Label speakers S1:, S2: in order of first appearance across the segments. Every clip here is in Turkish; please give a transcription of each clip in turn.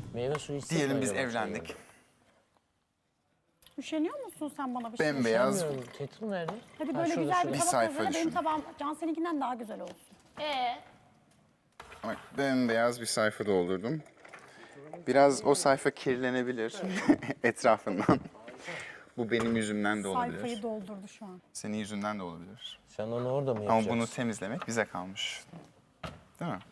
S1: Meyve suyu içsek mi
S2: Diyelim biz
S1: acaba
S2: evlendik.
S1: şeyden?
S3: Üşeniyor musun sen bana bir şey?
S2: Bembeyaz.
S1: Bilmiyorum, Kettle nerede?
S3: Hadi
S1: Ha,
S3: böyle
S1: şurada,
S3: güzel
S1: şurada.
S3: bir
S2: Bir
S3: tabak
S2: sayfa
S3: hazırla. Benim
S2: düşün.
S3: tabağım Cansel'inkinden daha güzel olsun.
S2: Bak, bembeyaz bir sayfa doldurdum. Biraz o sayfa kirlenebilir etrafından. Bu benim yüzümden de olabilir.
S3: Sayfayı doldurdu şu an.
S2: Senin yüzünden de olabilir.
S1: Sen onu orada mı
S2: Ama
S1: yapacaksın?
S2: bunu temizlemek bize kalmış. Değil mi?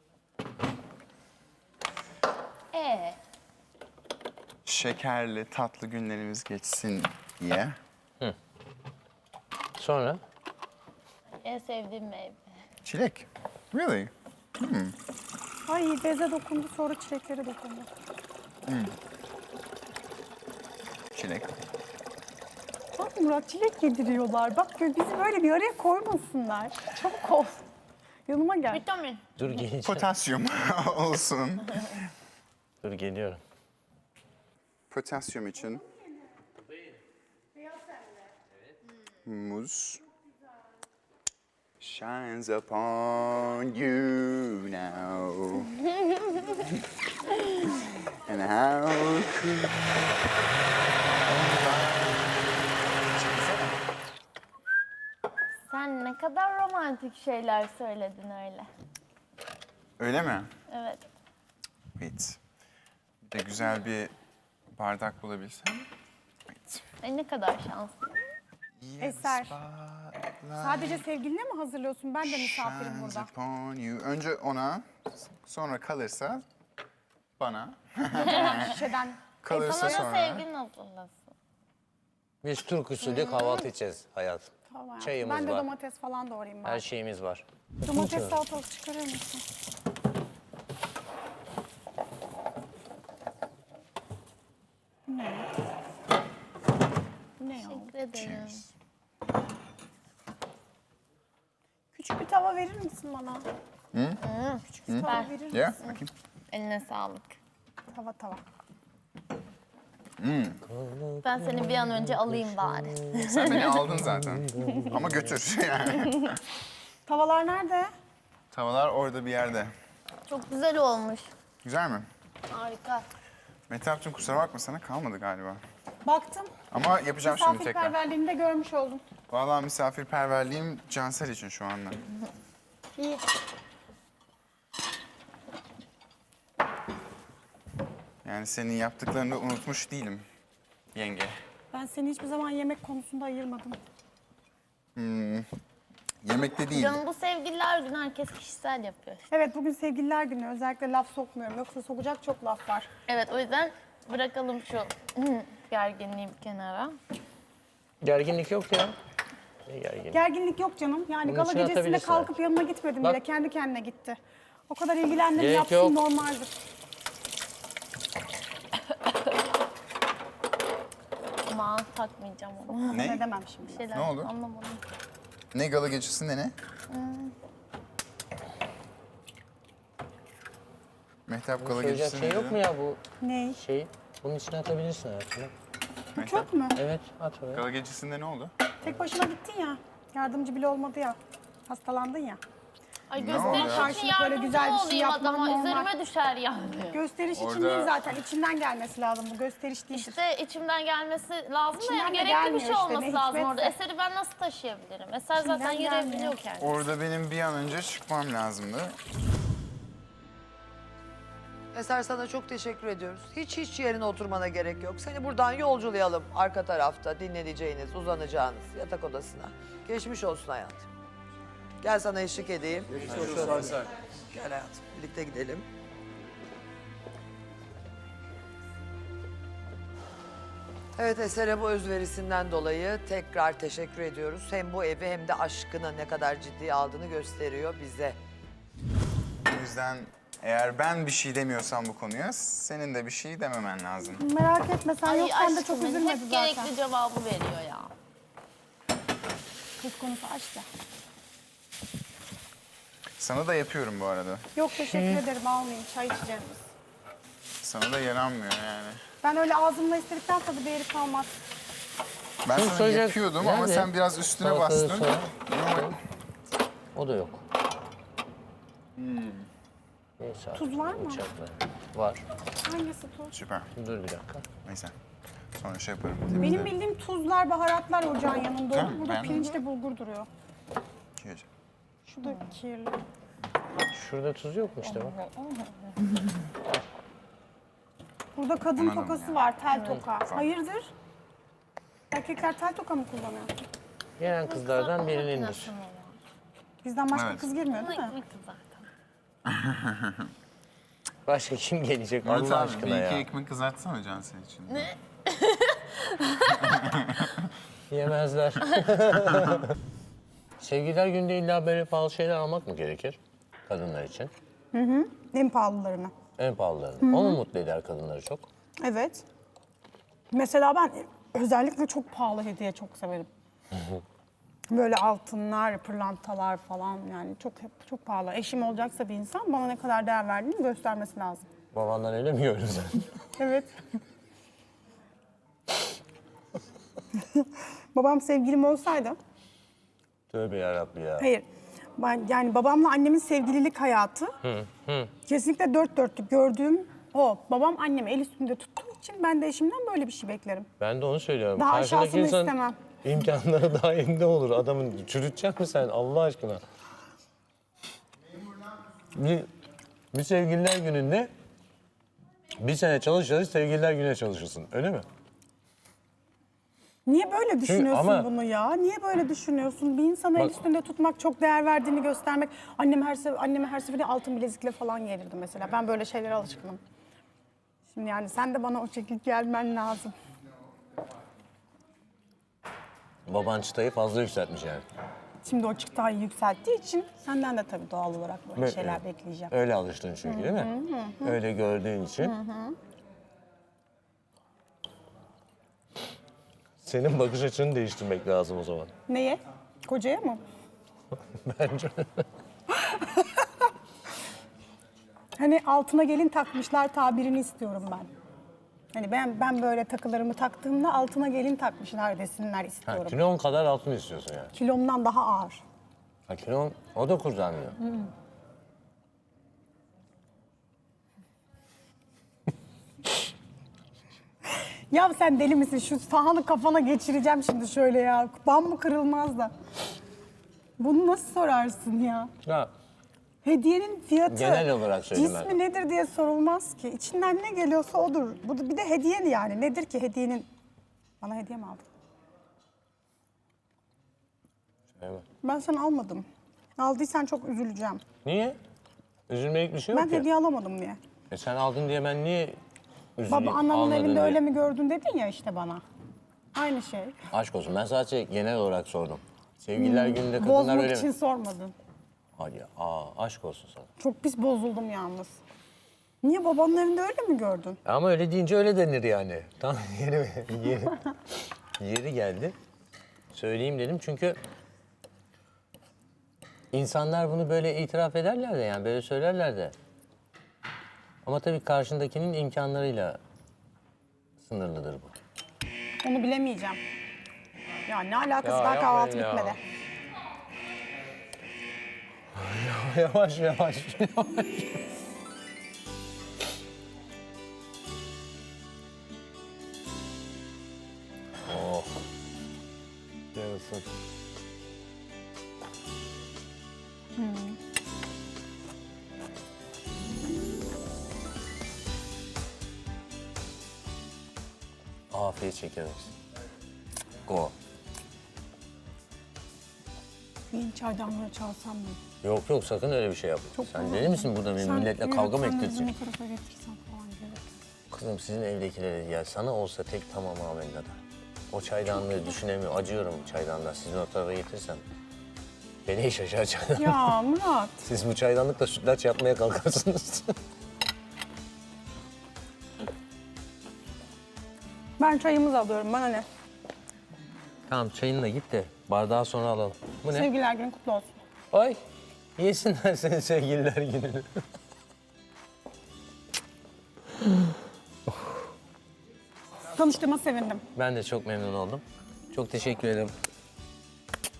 S2: Şekerli, tatlı günlerimiz geçsin diye.
S1: Sonra?
S4: En sevdiğim meyve.
S2: Çilek. Really?
S3: Ay beze dokundu sonra çileklere dokundu.
S2: Çilek.
S3: Bak Murat çilek yediriyorlar. Bak bizi böyle bir araya koymasınlar. Çabuk ol. Yanıma gel.
S4: Vitamin.
S1: Dur geleceğim.
S2: Potasyum olsun.
S1: Dur geliyorum.
S2: Potasyum için muz shines upon you now. And how could...
S4: Sen ne kadar romantik şeyler söyledin öyle.
S2: Öyle mi?
S4: Evet.
S2: Evet. Bir de güzel bir bardak bulabilsem. Evet.
S4: Ay ne kadar şanslı.
S3: Eser. Sadece sevgiline mi hazırlıyorsun? Ben de misafirim
S2: Shines
S3: burada.
S2: upon you. Önce ona, sonra kalırsa bana.
S3: Şişeden.
S2: Kalırsa
S4: Sana da
S2: sonra.
S4: sevgilin hazırlasın.
S1: Biz Türk usulü kahvaltı edeceğiz hayatım.
S3: Tamam.
S1: Çayımız
S3: Ben de
S1: var.
S3: domates falan doğrayayım ben.
S1: Her şeyimiz var.
S3: Domates salatalık çıkarır mısın? Ne? Ne ya?
S4: Teşekkür ederim.
S2: Cheers.
S3: Küçük bir tava verir misin bana? Küçük bir tava verir misin?
S2: Yeah, bakayım.
S4: Eline sağlık.
S3: Tava tava.
S4: Ben seni bir an önce alayım bari.
S2: Sen beni aldın zaten. Ama götür yani.
S3: Tavalar nerede?
S2: Tavalar orada bir yerde.
S4: Çok güzel olmuş.
S2: Güzel mi?
S4: Harika.
S2: Mehtap'cığım kusura bakma sana kalmadı galiba.
S3: Baktım.
S2: Ama yapacağım şimdi tekrar.
S3: Misafirperverliğini de görmüş oldum.
S2: Vallahi misafirperverliğim Cansel için şu anda.
S3: İyi.
S2: Yani senin yaptıklarını unutmuş değilim yenge.
S3: Ben seni hiçbir zaman yemek konusunda ayırmadım.
S2: Yemekte değil.
S4: Canım bu sevgililer günü herkes kişisel yapıyor.
S3: Evet bugün sevgililer günü. Özellikle laf sokmuyorum. Yoksa sokacak çok laf var.
S4: Evet o yüzden bırakalım şu gerginliği bir kenara.
S1: Gerginlik yok ya. Ne gerginlik?
S3: Gerginlik yok canım. Yani
S1: Bunun
S3: gala
S1: içine
S3: gecesinde
S1: atabilirsin
S3: kalkıp
S1: belki.
S3: yanına gitmedim
S1: Bak.
S3: bile. Kendi kendine gitti. O kadar ilgilendim
S1: Gerek
S3: yapsın
S1: yok.
S3: normaldir.
S4: Ama takmayacağım onu.
S2: Ne?
S3: Ne demem şimdi.
S4: Şeyler
S2: Ne oldu?
S4: anlamadım.
S2: Ne gala gecesinde ne? Mehtap gala
S1: Söyleyecek
S2: gecesinde
S1: şey yok mu ya bu
S3: Ne?
S1: şeyi? Bunun içine atabilirsin hayatım.
S3: Bu çok mu?
S1: Evet at oraya.
S2: Gala gecesinde ne oldu?
S3: Tek başına gittin ya. Yardımcı bile olmadı ya. Hastalandın ya.
S4: Ay
S2: Ne oldu
S4: gösteriş
S2: ya?
S4: için
S3: Karşılık böyle
S4: yardımcı
S3: güzel bir şey
S4: olayım
S3: yapman
S4: adama.
S3: normal.
S4: Üzerime düşer yani.
S3: Gösteriş için
S2: Orada-
S3: değil zaten. İçinden gelmesi lazım. Bu gösteriş değildir.
S4: İşte içimden gelmesi lazım da
S3: İçinden
S4: yani
S3: de
S4: gerekli bir
S3: gelmiyor
S4: şey
S3: işte,
S4: olması
S3: ne
S4: lazım orada.
S3: hikmetse.
S4: Eseri ben nasıl taşıyabilirim? Eser zaten
S3: İçinden
S4: yürüyebiliyor
S3: gelmiyor.
S4: kendisi.
S2: Orada benim bir an önce çıkmam lazımdı.
S5: Eser sana çok teşekkür ediyoruz. Hiç yerine oturmana gerek yok. Seni buradan yolculayalım arka tarafta dinleneceğiniz, uzanacağınız yatak odasına. Geçmiş olsun hayatım. Gel sana eşlik edeyim. Gel hayatım birlikte gidelim. Evet Eser'e bu özverisinden dolayı tekrar teşekkür ediyoruz. Hem bu evi hem de aşkını ne kadar ciddiye aldığını gösteriyor bize.
S2: O yüzden eğer ben bir şey demiyorsam bu konuya senin de bir şey dememen lazım.
S3: Merak etme sen
S4: Ay
S3: yoksan da çok
S4: aşkım,
S3: üzülmedi
S4: hep
S3: zaten.
S4: gerekli cevabı veriyor ya.
S3: Kız konusu aşk ya.
S2: Sana da yapıyorum bu arada.
S3: Yok teşekkür ederim almayayım. Çay içeceğiz biz.
S2: Sana da yaranmıyor yani.
S3: Ben öyle ağzımla istedikten sonra bir yeri kalmaz.
S2: Ben
S1: Kim
S2: sana
S1: söyleyecek?
S2: yapıyordum ama
S1: Nerede?
S2: sen biraz üstüne
S1: Salatalığı
S2: bastın.
S1: soya. O da yok. Neyse,
S3: Tuz var mı?
S1: bıçakla. Var.
S3: Hangisi tuz?
S2: Süper.
S1: Dur bir dakika.
S2: Neyse. Sonra şey yaparım.
S3: Benim
S2: temizlerim.
S3: bildiğim tuzlar, baharatlar ocağın yanında.
S2: Tamam,
S3: Burada
S2: ben-
S3: pirinçle bulgur duruyor.
S2: Kirli.
S3: Şu da kirli.
S1: Şurada tuz yok mu işte bak.
S3: Burada kadın
S2: Anladım
S3: tokası
S2: ya.
S3: var, tel toka. Hayırdır? Erkekler tel toka mı kullanıyor?
S1: Gelen kızlardan birinindir.
S4: Makinesi mi var?
S3: Bizden başka
S2: Evet.
S3: kız girmiyor değil mi?
S4: Ekmek zaten.
S1: Başka kim gelecek
S2: Murat
S1: Allah
S2: abi,
S1: aşkına
S2: bir iki
S1: ya?
S2: ekmek kızartsana Can senin için. Ne?
S1: Yemezler. Sevgililer günde illa böyle pahalı şeyler almak mı gerekir kadınlar için?
S3: En pahalılarını.
S1: En pahalılarını. O mu mutlu eder kadınları çok?
S3: Evet. Mesela ben özellikle çok pahalı hediye çok severim. Böyle altınlar, pırlantalar falan yani çok pahalı. Eşim olacaksa bir insan bana ne kadar değer verdiğini göstermesi lazım.
S1: Babandan öyle mi gördün sen?
S3: Evet. Babam sevgilim olsaydı,
S1: Tövbe yarabbi ya.
S3: hayır. Ben yani babamla annemin sevgililik hayatı kesinlikle dört dörtlük gördüğüm o. Babam annemi el üstünde tuttuğu için ben de eşimden böyle bir şey beklerim.
S1: Ben de onu söylüyorum.
S3: Daha
S1: Karşındaki
S3: aşağısını
S1: insan
S3: istemem.
S1: imkanları dahilinde olur. Adamın çürütecek mi sen Allah aşkına? Bir sevgililer gününde bir sene çalışırız, sevgililer güne çalışırsın. Öyle mi?
S3: Niye böyle düşünüyorsun
S1: ama-
S3: bunu ya? Niye böyle düşünüyorsun? Bir insanı el
S1: Bak-
S3: üstünde tutmak, çok değer verdiğini göstermek. Anneme her seferinde altın bilezikle falan gelirdi mesela. Ben böyle şeylere alışkınım. Şimdi yani sen de bana o şekilde gelmen lazım.
S1: Baban çıtayı fazla yükseltmiş yani.
S3: Şimdi o çıktayı yükselttiği için senden de tabii doğal olarak böyle
S1: Evet,
S3: şeyler
S1: evet.
S3: bekleyeceğim.
S1: Öyle alıştın çünkü değil mi? Öyle gördüğün için. Senin bakış açını değiştirmek lazım o zaman.
S3: Neye? Kocaya mı?
S1: Bence.
S3: Hani altına gelin takmışlar tabirini istiyorum ben. Hani ben böyle takılarımı taktığımda altına gelin takmışlar desinler
S1: Ha,
S3: istiyorum.
S1: kilon kadar altın istiyorsun yani.
S3: Kilomdan daha ağır.
S1: Ha, kilon o da kurtarmıyor.
S3: Ya sen deli misin? Şu sahanı kafana geçireceğim şimdi şöyle ya. Bam mı kırılmaz da. Bunu nasıl sorarsın ya?
S1: Ya
S3: Hediyenin fiyatı,
S1: Genel olarak söyledim
S3: cismi
S1: ben.
S3: nedir diye sorulmaz ki. İçinden ne geliyorsa odur. Bu da bir de hediye yani. Nedir ki hediyenin? Bana hediye mi aldın?
S1: evet.
S3: Ben sana almadım. Aldıysan çok üzüleceğim.
S1: Niye? Üzülmelik bir şey yok
S3: Ben
S1: ki.
S3: hediye alamadım diye.
S1: Sen aldın diye ben niye üzüleyim?
S3: Baba annenin
S1: almadın
S3: evinde
S1: diye?
S3: öyle mi gördün dedin ya işte bana. Aynı şey.
S1: Aşk olsun ben sadece genel olarak sordum. Sevgililer gününde kadınlar
S3: Bozmak
S1: öyle
S3: için
S1: mi?
S3: sormadın.
S1: Hadi ya, aşk olsun sana.
S3: Çok pis bozuldum yalnız. Niye babanın evinde öyle mi gördün?
S1: Ama öyle deyince öyle denir yani. Tam yeri geldi. Söyleyeyim dedim çünkü insanlar bunu böyle itiraf ederler de yani böyle söylerler de. Ama tabii karşındakinin imkanlarıyla sınırlıdır bu.
S3: Onu bilemeyeceğim. Ya ne alakası
S1: Ya
S3: daha kahvaltı
S1: yapmayın ya.
S3: bitmedi.
S1: Yavaş yavaş yavaş. Oh. Yarasın. Afiyet şekeriz. Go.
S3: Bir çaydanlığı çalsam mı?
S1: Yok yok sakın öyle bir şey yapma. Sen deli misin burada benim milletle kavga mı
S3: yürüten
S1: ettireceksin?
S3: bizim o tarafa getirsen falan gelir.
S1: Kızım sizin evdekilere ya sana olsa tek tamam amenna da. O çaydanlığı düşünemiyor. Acıyorum çaydanlığa. Sizin o tarafa getirsem. Beni şaşar çaydanlık.
S3: Ya Murat.
S1: Siz bu çaydanlıkla sütlaç yapmaya kalkarsınız.
S3: Ben çayımızı alıyorum bana ne?
S1: Tamam çayınla git de bardağı sonra alalım. Bu ne?
S3: Sevgililer günü kutlu olsun.
S1: Ay yesinler senin sevgililer gününü.
S3: Tanıştığıma sevindim.
S1: Ben de çok memnun oldum. Çok teşekkür ederim.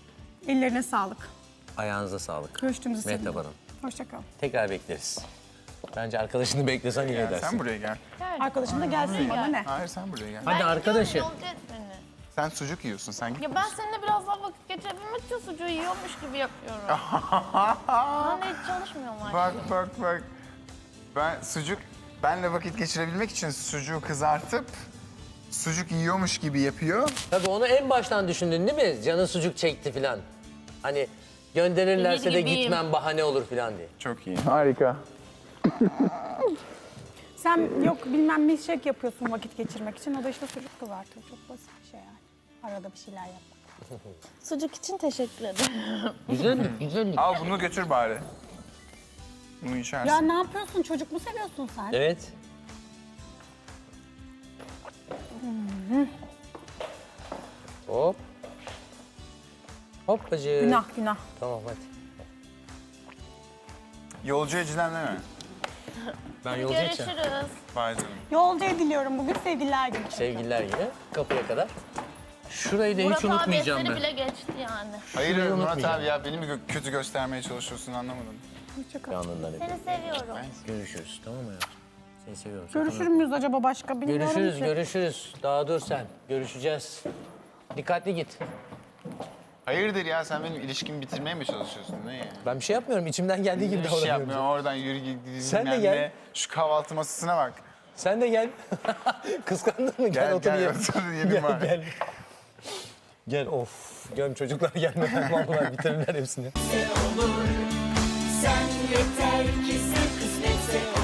S3: Ellerine sağlık.
S1: Ayağınıza sağlık.
S3: Görüştüğümüzü sevindim.
S1: Mehtap Hanım.
S3: Hoşça kal.
S1: Tekrar bekleriz. Bence arkadaşını beklesen iyi edersin.
S2: Sen buraya gel.
S3: Arkadaşım da gelsin bana ne?
S2: Hayır sen buraya gel.
S1: Hadi arkadaşım.
S4: Yolcu et beni.
S2: Sen sucuk yiyorsun sen git.
S4: Ya ben seninle biraz daha vakit geçirebilmek için sucuğu yiyormuş gibi yapıyorum. Ben de hiç çalışmıyorum artık.
S2: Bak. Ben benle vakit geçirebilmek için sucuğu kızartıp sucuk yiyormuş gibi yapıyor.
S1: Tabii onu en baştan düşündün değil mi? Canın sucuk çekti falan. Hani gönderirlerse
S4: Ümit
S1: de
S4: gibiyim.
S1: gitmem bahane olur falan diye.
S2: Çok iyi. Harika.
S3: Sen yok bilmem milkshake yapıyorsun vakit geçirmek için. O da işte sucuk kızartıyor. Çok basit bir şey yani. Arada bir şeyler yapmak.
S4: Sucuk için teşekkür ederim.
S1: Güzellik.
S2: Al bunu götür bari. Bunu içersin.
S3: Ya ne yapıyorsun? Çocuk mu seviyorsun sen?
S1: Evet. Hop. Hoppacık.
S3: Günah.
S1: Tamam hadi.
S2: Yolcu edeceğim değil mi?
S1: Ben yolcu edeceğim.
S4: Görüşürüz.
S2: Vay canına.
S3: Yolcu ediliyorum bugün sevgililer günü.
S1: Sevgililer yine kapıya kadar. Şurayı da hiç
S4: Murat abi
S1: unutmayacağım
S4: eseri
S1: ben.
S4: bile geçti yani.
S2: Hayır
S1: Şurayı
S2: Murat
S1: unutmayacağım.
S2: abi ya beni mi kötü göstermeye çalışıyorsun anlamadım.
S1: Yanından hep.
S4: Seni seviyorum.
S1: Görüşürüz tamam mı hayatım? Seni seviyorum.
S3: Görüşür müyüz acaba başka? Bilmiyorum ki.
S1: Görüşürüz. Daha dur sen. Görüşeceğiz. Dikkatli git.
S2: Hayırdır ya sen benim ilişkimi bitirmeye mi çalışıyorsun ne ya?
S1: Ben bir şey yapmıyorum. İçimden geldiği gibi
S2: Bir şey
S1: davranıyorum.
S2: yapmıyorum oradan yürü git
S1: Sen de
S2: bilmem
S1: gel.
S2: ne. Şu kahvaltı masasına bak.
S1: Sen de gel. Kıskandın mı? Gel, otur
S2: gel
S1: ye.
S2: otur yiyelim
S1: Gel,
S2: bari.
S1: gel. Gel of. Göm çocuklar gelmeden vallahi bitirirler hepsini.
S6: Sen yeter ki sen kısmetse